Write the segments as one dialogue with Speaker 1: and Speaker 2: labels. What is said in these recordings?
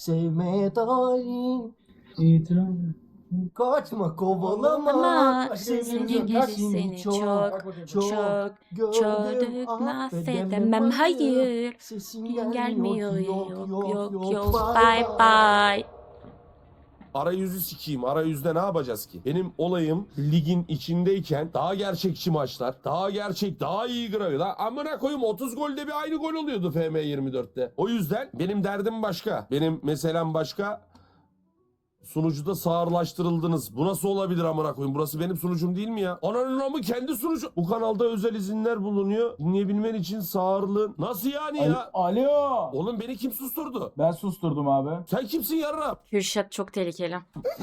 Speaker 1: sevmeye talip. İtiraf. Kaçma kovalama.
Speaker 2: Ama senin gerisini çok gördük, affedemem, hayır.
Speaker 1: Sesin
Speaker 2: Gelmiyor, yok, bye bye.
Speaker 3: Arayüzü sikeyim. Arayüzde ne yapacağız ki? Benim olayım ligin içindeyken daha gerçekçi maçlar, daha gerçek, daha iyi gravi. Lan amına koyayım 30 golde bir aynı gol oluyordu FM24'te. O yüzden benim derdim başka. Benim meselem başka. Sunucuda sağırlaştırıldınız. Bu nasıl olabilir amına koyayım? Burası benim sunucum değil mi ya? Ananın amı kendi sunucu. Bu kanalda özel izinler bulunuyor. Dinleyebilmen için sağırlığın. Nasıl yani ya?
Speaker 4: Alo.
Speaker 3: Oğlum beni kim susturdu?
Speaker 4: Ben susturdum abi.
Speaker 3: Sen kimsin yarra?
Speaker 2: Kürşat çok tehlikeli.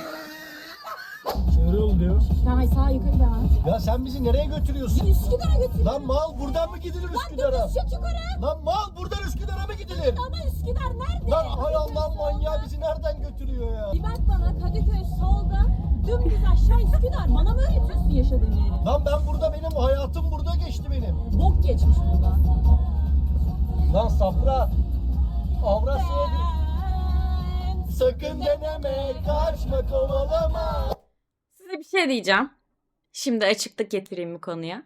Speaker 4: Şöyle ol diyor.
Speaker 5: Daha sağ yukarı devam.
Speaker 1: Ya sen bizi nereye götürüyorsun?
Speaker 5: Üsküdar'a götür.
Speaker 1: Lan mal buradan mı gidilir Üsküdar'a?
Speaker 5: Lan düz yukarı.
Speaker 1: Lan mal buradan Üsküdar'a mı gidilir?
Speaker 5: Ama Üsküdar nerede?
Speaker 1: Lan hay Allah manyağı bizi nereden götürüyor ya?
Speaker 5: Bir bak bana, Kadıköy solda, dümdüz aşağı Üsküdar. Bana mı öğretiyorsun yaşadığın yeri?
Speaker 1: Lan ben burada benim hayatım burada geçti benim.
Speaker 5: Bok geçmiş burada.
Speaker 1: Lan Safra. Avrasya'ya sakın deneme kaçma kovalama.
Speaker 2: Size bir şey diyeceğim. Şimdi açıklık getireyim bu konuya.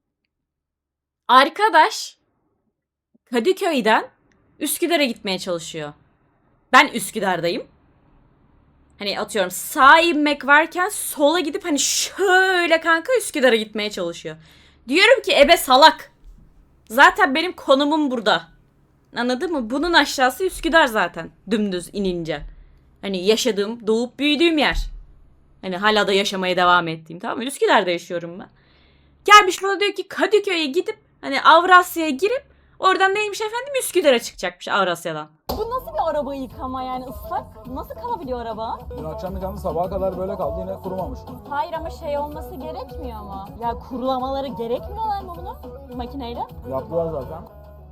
Speaker 2: Arkadaş Kadıköy'den Üsküdar'a gitmeye çalışıyor. Ben Üsküdar'dayım. Hani atıyorum sağa inmek varken sola gidip hani şöyle kanka Üsküdar'a gitmeye çalışıyor. Diyorum ki ebe salak. Zaten benim konumum burada. Anladın mı? Bunun aşağısı Üsküdar zaten. Dümdüz inince. Hani yaşadığım, doğup büyüdüğüm yer. Hani hala da yaşamaya devam ettiğim, tamam mı? Üsküdar'da yaşıyorum ben. Gelmiş bana diyor ki Kadıköy'e gidip hani Avrasya'ya girip oradan neymiş efendim Üsküdar'a çıkacakmış Avrasya'dan.
Speaker 5: Bu nasıl bir araba yıkama yani ıslak? Nasıl kalabiliyor araba?
Speaker 4: Dün akşam yıkandı, sabaha kadar böyle kaldı, yine kurumamış.
Speaker 5: Hayır ama şey olması gerekmiyor mu? Ya kurulamaları gerekmiyorlar mı bunu makineyle?
Speaker 4: Yaptılar zaten.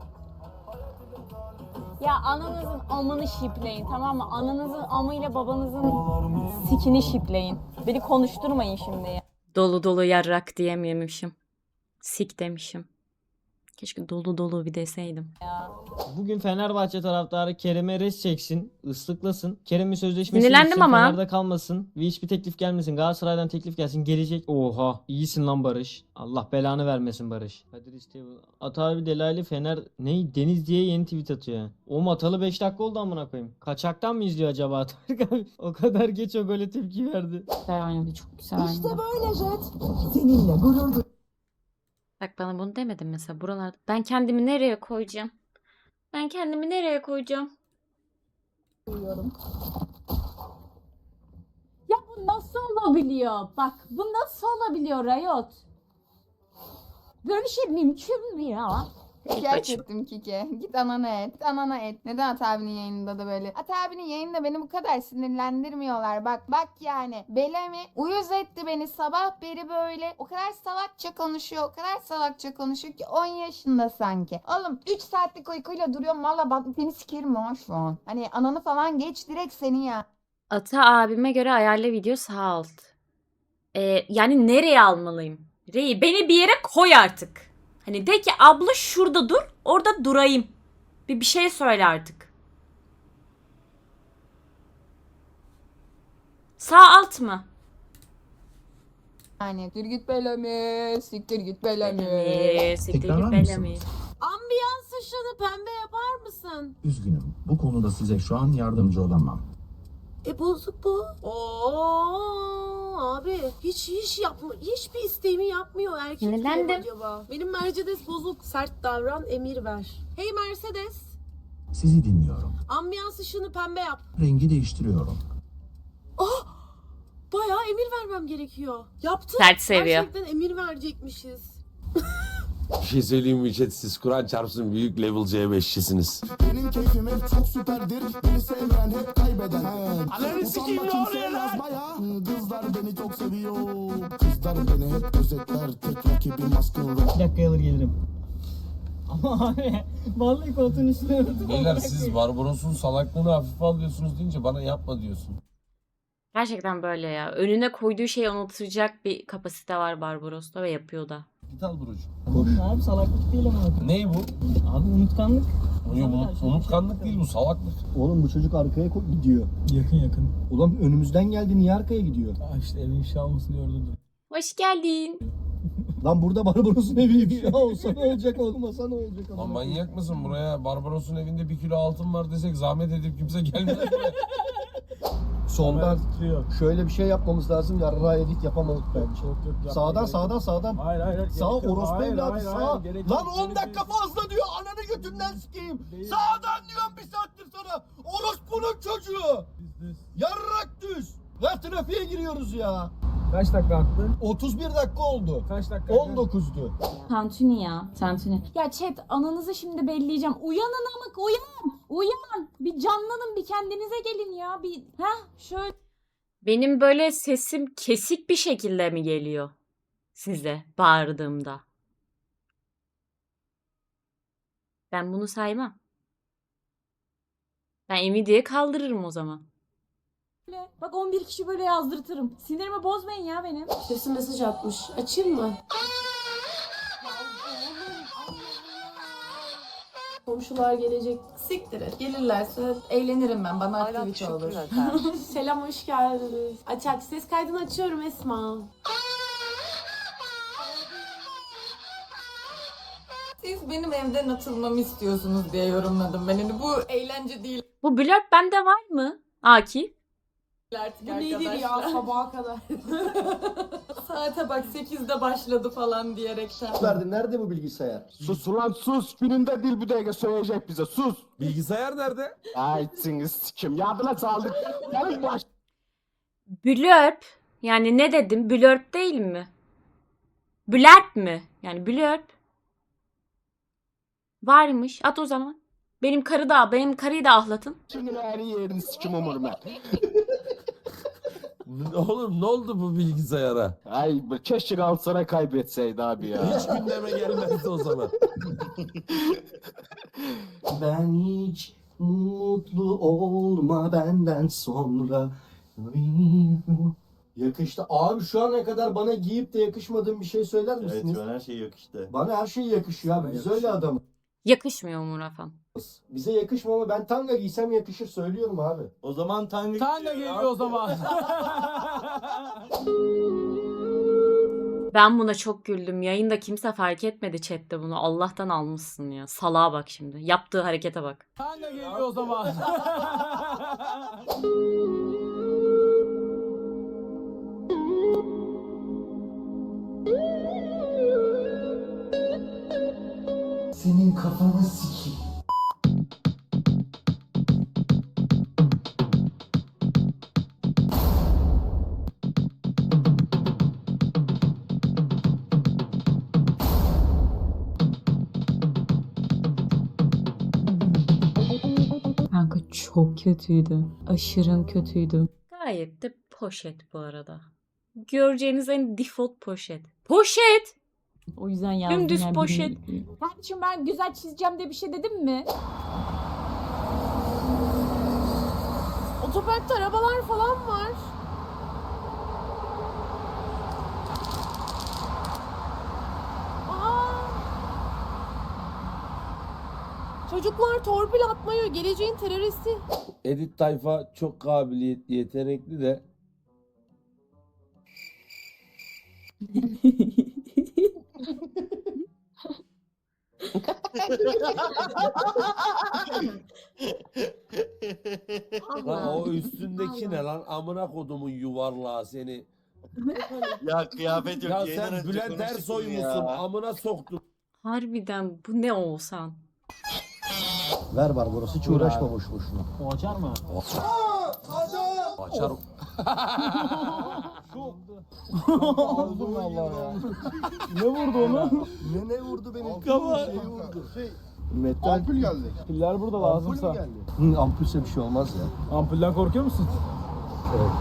Speaker 5: Ya ananızın amını şipleyin, tamam mı? Ananızın amıyla babanızın sikini şipleyin. Beni konuşturmayın şimdi ya.
Speaker 2: Dolu dolu yarrak diyemiyormuşum. Sik demişim. Keşke dolu dolu bir deseydim.
Speaker 6: Bugün Fenerbahçe taraftarı Kerem'e res çeksin, ıslıklasın. Kerem'in sözleşmesi
Speaker 2: Sinirlendim
Speaker 6: bitsin,
Speaker 2: ama.
Speaker 6: Fener'de kalmasın ve hiçbir teklif gelmesin. Galatasaray'dan teklif gelsin, gelecek. Oha, iyisin lan Barış. Allah belanı vermesin Barış. Kadir İsteği. Ata abi Delaylı Fener ne? Deniz diye yeni tweet atıyor. O atalı 5 dakika oldu amına koyayım. Kaçaktan mı izliyor acaba Atark abi? O kadar geç o gole tepki verdi.
Speaker 2: Güzel oynadı, çok güzel oynadı.
Speaker 5: İşte böyle Jet. Seninle gurur
Speaker 2: Bak bana bunu demedim mesela buralarda. Ben kendimi nereye koyacağım? Ben kendimi nereye koyacağım?
Speaker 5: duyuyorum. Ya bu nasıl olabiliyor? Bak bu nasıl olabiliyor Riot? Böyle bir şey mümkün mü ya?
Speaker 7: Gerçekten Kike. Git anana et. Git anana et. Neden At abinin yayınında da böyle? At abinin yayında beni bu kadar sinirlendirmiyorlar. Bak yani. Belemi uyuz etti beni sabah beri böyle. O kadar salakça konuşuyor. O kadar salakça konuşuyor ki 10 yaşında sanki. Oğlum 3 saatlik uykuyla duruyorum. Valla bak seni sikerim ha şu an. Hani ananı falan geç direkt seni ya.
Speaker 2: Ata abime göre ayarla video sağ alt. Yani nereye almalıyım? Reyi beni bir yere koy artık. Hani de ki abla şurada dur, orada durayım. Bir şey söyle artık. Sağ alt mı?
Speaker 7: Yani siktir git Belemi. Siktir git Belemi.
Speaker 2: Siktir
Speaker 8: Tekrar
Speaker 2: git
Speaker 8: var
Speaker 2: Bellamy.
Speaker 8: mısınız?
Speaker 5: Ambiyans ışığını pembe yapar mısın?
Speaker 8: Üzgünüm. Bu konuda size şu an yardımcı olamam.
Speaker 5: Bozuk bu. Abi hiç yapma, hiçbir isteğimi yapmıyor erkek
Speaker 2: Sinirlendim.
Speaker 5: acaba. Benim Mercedes bozuk, sert davran, emir ver. Hey Mercedes,
Speaker 8: Sizi dinliyorum.
Speaker 5: ambiyans ışığını pembe yap.
Speaker 8: Rengi değiştiriyorum.
Speaker 5: Bayağı emir vermem gerekiyor. Yaptım.
Speaker 2: Sert seviyor.
Speaker 5: Gerçekten emir verecekmişiz.
Speaker 3: Bir şey söyleyeyim mi chat? Siz Kur'an çarpsın büyük level C5'çisiniz.
Speaker 9: Benim keyfim hep çok süperdir. Beni sevmeyen hep kaybeder. Ananı sikeyim ne oluyor lan? Kızlar beni çok seviyor. Kızlar beni hep gözetler. Tek rakibim askın.
Speaker 6: 2 dakika alır gelirim. Ama abi vallahi koltuğun üstüne oturdum.
Speaker 3: Beyler siz Barbaros'un salaklığını hafife alıyorsunuz deyince bana yapma diyorsun.
Speaker 2: Gerçekten böyle ya. Önüne koyduğu şeyi unutacak bir kapasite var Barbaros'ta ve yapıyor da.
Speaker 3: Git al Burucu.
Speaker 6: Korkma abi salaklık değil ama.
Speaker 3: Ney bu?
Speaker 6: Abi unutkanlık.
Speaker 3: Unutkanlık değil bu, salaklık.
Speaker 1: Oğlum bu çocuk arkaya gidiyor.
Speaker 4: Yakın.
Speaker 1: Ulan önümüzden geldi, niye arkaya gidiyor?
Speaker 4: İşte evi ifşa olmasın diye orada dur.
Speaker 2: Hoş geldin.
Speaker 1: Lan burada Barbaros'un evi ya olsa ne olacak, olmasa ne olacak?
Speaker 3: Lan manyak mısın, buraya Barbaros'un evinde 1 kilo altın var desek zahmet edip kimse gelmez buraya.
Speaker 1: Soldan
Speaker 4: Titriyor.
Speaker 1: şöyle bir şey yapmamız lazım. Yarra edit yapamadık bence.
Speaker 4: Yok,
Speaker 1: sağdan.
Speaker 4: Hayır.
Speaker 1: Sağ
Speaker 4: gerek yok.
Speaker 1: orospu
Speaker 4: Hayır,
Speaker 1: evladı
Speaker 4: hayır,
Speaker 1: sağ.
Speaker 4: gerek
Speaker 1: Lan
Speaker 4: yok,
Speaker 1: 10
Speaker 4: gerek
Speaker 1: dakika
Speaker 4: yok.
Speaker 1: fazla diyor. Ananı götünden sikeyim.
Speaker 4: Değil.
Speaker 1: Sağdan diyorum bir saattir sana. Orospunun çocuğu.
Speaker 4: Düz.
Speaker 1: Yarrak düz. Ve trafiğe giriyoruz ya.
Speaker 4: Kaç dakika attı?
Speaker 1: 31 dakika oldu.
Speaker 4: Kaç dakika?
Speaker 1: 19'du.
Speaker 5: Tantuni ya. Tantuni. Ya chat ananızı şimdi belleyeceğim. Uyanın amık uyan. Uyan. Bir canlanın, bir kendinize gelin ya. Bir şöyle.
Speaker 2: Benim böyle sesim kesik bir şekilde mi geliyor size bağırdığımda? Ben bunu saymam. Ben Nvidia'yı kaldırırım o zaman.
Speaker 5: Bak 11 kişi böyle yazdırtırım. Sinirimi bozmayın ya benim.
Speaker 10: Sesi mesaj atmış. Açayım mı? Komşular gelecek. Siktir et. Gelirlerse eğlenirim ben. Bana aktivite olur. Selam, hoş geldiniz. Aç. Ses kaydını açıyorum Esma. Siz benim evden atılmamı istiyorsunuz diye yorumladım ben. Yani bu eğlence değil
Speaker 2: Bu blurb bende var mı? Akif?
Speaker 10: artık bu nedir ya sabaha kadar? Saate bak 8'de başladı falan diyerekten.
Speaker 1: Verdin, nerede bu bilgisayar?
Speaker 9: Sus ulan sus. Gününde dil büdege söyleyecek bize. Sus.
Speaker 3: Bilgisayar nerede?
Speaker 9: Ay sikim. Yardıma saldık. Yarın baş.
Speaker 2: Blurb. Yani ne dedim? Blurb değil mi? Blurb mi? Yani blurb. Varmış. At o zaman. Benim karıyı da ahlatın.
Speaker 9: Şimdi her yerini sikim umurum ben.
Speaker 3: Oğlum ne oldu bu bilgisayara?
Speaker 9: Ay keşke Galatasaray kaybetseydi abi ya.
Speaker 3: Hiç gündeme gelmezdi o zaman.
Speaker 1: Ben hiç mutlu olma benden sonra. Yakıştı. Abi şu ana kadar bana giyip de yakışmadığın bir şey söyler misiniz?
Speaker 11: Evet, her şey yakıştı.
Speaker 1: Bana her şey yakışıyor abi. Biz öyle adamız.
Speaker 2: Yakışmıyor Umur Afan.
Speaker 1: Bize yakışmıyor ama ben tanga giysem yakışır, söylüyorum abi.
Speaker 11: O zaman
Speaker 4: Tanga geliyor o zaman.
Speaker 2: Ben buna çok güldüm. Yayında kimse fark etmedi chatte bunu. Allah'tan almışsın ya. Salağa bak şimdi. Yaptığı harekete bak.
Speaker 4: Tanga geliyor o zaman.
Speaker 1: Senin kafanı sikeyim.
Speaker 5: Kanka çok kötüydü. Aşırı kötüydü.
Speaker 2: Gayet de poşet bu arada. Göreceğiniz en default poşet. Poşet!
Speaker 5: O yüzden yazdım.
Speaker 2: Dümdüz
Speaker 5: yani
Speaker 2: poşet.
Speaker 5: Kardeşim ben güzel çizeceğim diye bir şey dedim mi?
Speaker 10: Otoparkta arabalar falan var. Çocuklar torpil atmıyor. Geleceğin teröristi.
Speaker 3: Edit tayfa çok kabiliyetli, yetenekli de. Lan o üstündeki ne lan? Amına kodumun yuvarlağı seni.
Speaker 11: Ya kıyafet yok.
Speaker 3: Ya
Speaker 11: yayından
Speaker 3: sen
Speaker 11: önce
Speaker 3: Bülent
Speaker 11: konuştuk
Speaker 3: Ersoy
Speaker 11: bunu
Speaker 3: musun?
Speaker 11: ya.
Speaker 3: Amına soktum.
Speaker 2: Harbiden bu ne Oğuzhan?
Speaker 1: Ver Barbaros, hiç uğraşma boş boşuna.
Speaker 6: O açar mı?
Speaker 3: Açar.
Speaker 1: Aldım vallahi ya.
Speaker 4: Ne vurdu onu?
Speaker 1: Ne vurdu benim?
Speaker 4: Kafa.
Speaker 1: Şey vurdu. Metal. Ampul geldi.
Speaker 4: Piller burada
Speaker 1: Ampul
Speaker 4: lazımsa.
Speaker 1: mü geldi? Ampulse bir şey olmaz ya.
Speaker 4: Ampulden korkuyor musun?
Speaker 1: Evet.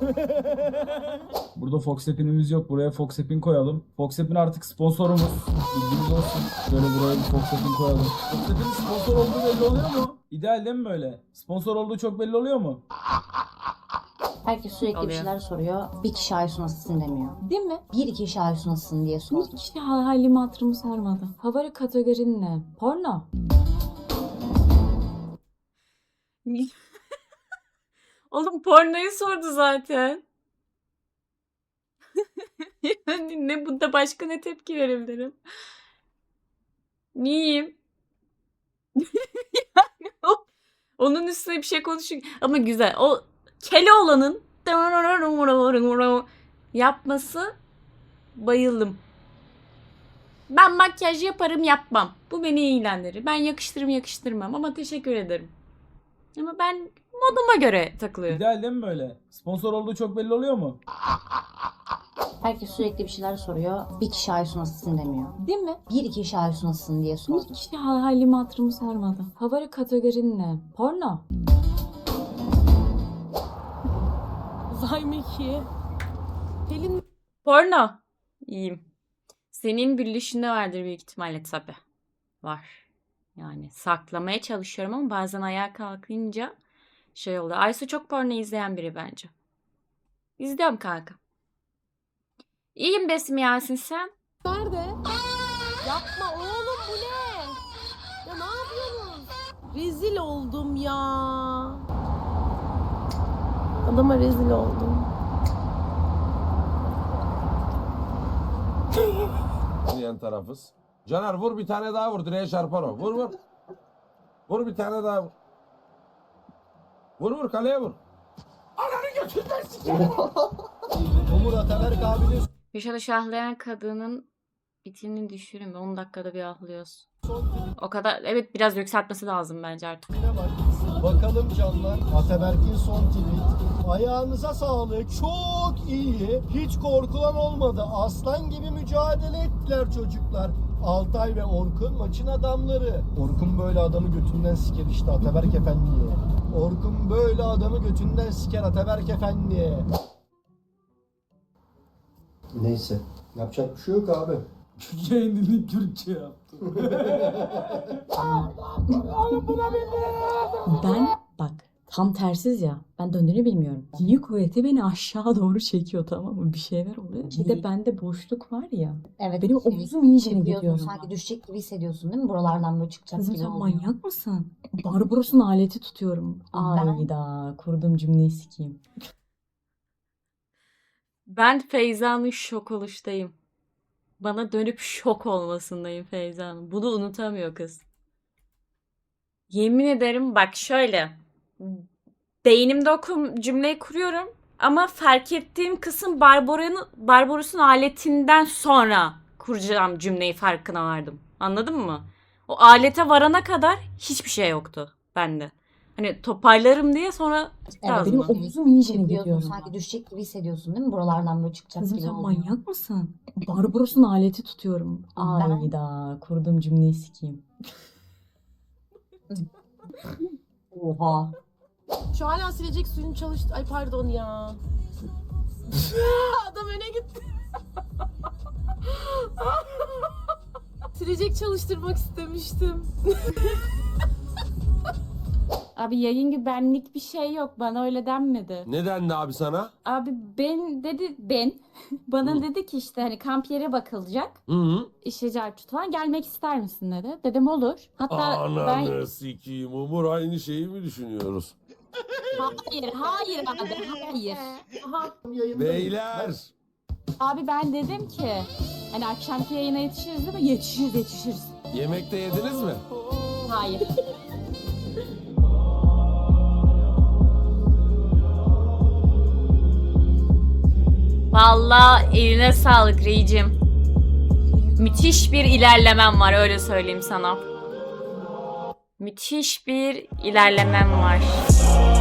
Speaker 4: Burada Foxapin'imiz yok. Buraya Foxapin koyalım. Foxapin artık sponsorumuz. Bilginiz olsun. Şöyle buraya bir Foxapin koyalım. Foxapin'in sponsor olduğu belli oluyor mu? İdeal değil mi böyle? Sponsor olduğu çok belli oluyor mu?
Speaker 10: Herkes sürekli bir
Speaker 2: Oluyor.
Speaker 10: şeyler soruyor. Bir kişi Aysu nasılsın demiyor.
Speaker 5: Değil mi?
Speaker 10: Bir kişi Aysu nasılsın diye sordu.
Speaker 5: Hiç halimi hatırımı sormadı. Favori kategorin ne? Porno.
Speaker 2: Oğlum pornoyu sordu zaten. Yani ne bunda başka ne tepki verebilirim? Niyeyim? Yani onun üstüne bir şey konuşuyor. Ama güzel. O Keloğlan'ın yapması bayıldım. Ben makyaj yaparım yapmam. Bu beni ilgilendirir. Ben yakıştırırım yakıştırmam ama teşekkür ederim. Ama ben moduma göre takılıyorum.
Speaker 4: İdeal değil mi böyle? Sponsor olduğu çok belli oluyor mu?
Speaker 12: Herkes sürekli bir şeyler soruyor. Bir kişi Aysu nasılsın demiyor.
Speaker 5: Değil mi?
Speaker 12: Bir iki kişi Aysu nasılsın diye soruyor.
Speaker 5: Bir kişi halimi hatırımı sormadı. Favori kategorin ne? Porno.
Speaker 10: Vay Meki. Pelin
Speaker 2: Porno. İyiyim. Senin gülüşünde vardır büyük ihtimalle tabii. Var. Yani saklamaya çalışıyorum ama bazen ayağa kalkınca şey oluyor. Aysu çok porno izleyen biri bence. İzliyorum kanka. İyiyim Besim Yasin sen.
Speaker 10: nerede? Yapma oğlum bu ne? Ya ne yapıyorsun? Rezil oldum ya. Adama rezil oldum.
Speaker 3: Yan tarafız. Caner vur bir tane daha vur. Direğe çarpar o. Vur vur. Vur bir tane daha vur. Vur vur kaleye vur. Ananı götünden sikerim.
Speaker 1: Umur Ataberk abinin
Speaker 2: Köşede şahlayan kadının bitinini düşürün. 10 dakikada bir ahlıyorsun. O kadar evet biraz yükseltmesi lazım bence artık.
Speaker 1: tweetine bak. Bakalım canlar. Ataberk'in son tweet. Ayağınıza sağlık. Çok iyi. Hiç korkulan olmadı. Aslan gibi mücadele ettiler çocuklar. Altay ve Orkun maçın adamları. Orkun böyle adamı götünden siker işte Ataberk Efendi'ye. Orkun böyle adamı götünden siker Ataberk Efendi'ye. Neyse. Yapacak bir şey yok abi.
Speaker 4: Yayın dilini Türkçe yaptım.
Speaker 5: Ben bak tam tersiz ya. Ben döndüğünü bilmiyorum. Gücü kuvveti beni aşağı doğru çekiyor, tamam mı? Bir şeyler oluyor. Bir de bende boşluk var ya.
Speaker 12: Evet.
Speaker 5: Benim omuzum iyice
Speaker 12: Hissediyorsun,
Speaker 5: gidiyor.
Speaker 12: sanki düşecek gibi hissediyorsun değil mi? Buralardan böyle çıkacak
Speaker 5: Kızım
Speaker 12: gibi
Speaker 5: sen
Speaker 12: oluyor.
Speaker 5: manyak mısın? Barbaros'un aleti tutuyorum. Ayda kurduğum cümleyi sikeyim.
Speaker 2: Ben Feyza'nın şok oluştayım. Bana dönüp şok olmasındayım Feyza'nın. Bunu unutamıyor kız. Yemin ederim bak şöyle. Beynimde cümleyi kuruyorum. Ama fark ettiğim kısım Barbaros'un aletinden sonra kuracağım cümleyi farkına vardım. Anladın mı? O alete varana kadar hiçbir şey yoktu bende. Hani toparlarım diye sonra
Speaker 12: Evet,
Speaker 5: Benim omuzum iyice
Speaker 12: Hissediyorsun,
Speaker 5: gidiyor.
Speaker 12: sanki düşecek gibi hissediyorsun değil mi? Buralardan böyle çıkacak
Speaker 5: Kızım
Speaker 12: gibi
Speaker 5: sen
Speaker 12: oluyor.
Speaker 5: manyak mısın? Barbaros'un aleti tutuyorum. Ayda kurduğum cümleyi sikeyim.
Speaker 12: Oha.
Speaker 10: Şu hala silecek suyun çalıştı. Ay pardon ya. Adam öne gitti. Silecek çalıştırmak istemiştim.
Speaker 5: Abi yayın gibi benlik bir şey yok. Bana öyle denmedi.
Speaker 3: Ne dendi abi sana?
Speaker 5: Abi bana dedi ki işte hani kamp yere bakılacak.
Speaker 3: Hı hı.
Speaker 5: İşte Cartut falan gelmek ister misin dedi. Dedim olur. Hatta
Speaker 3: Ananı sikiyim Umur aynı şeyi mi düşünüyoruz?
Speaker 5: hayır abi hayır.
Speaker 3: Beyler.
Speaker 5: Abi ben dedim ki hani akşamki yayına yetişiriz değil mi? Yetişiriz.
Speaker 3: Yemekte yediniz mi?
Speaker 5: Hayır.
Speaker 2: vallahi eline sağlık Reycim. Müthiş bir ilerlemem var öyle söyleyeyim sana. Müthiş bir ilerlemem var.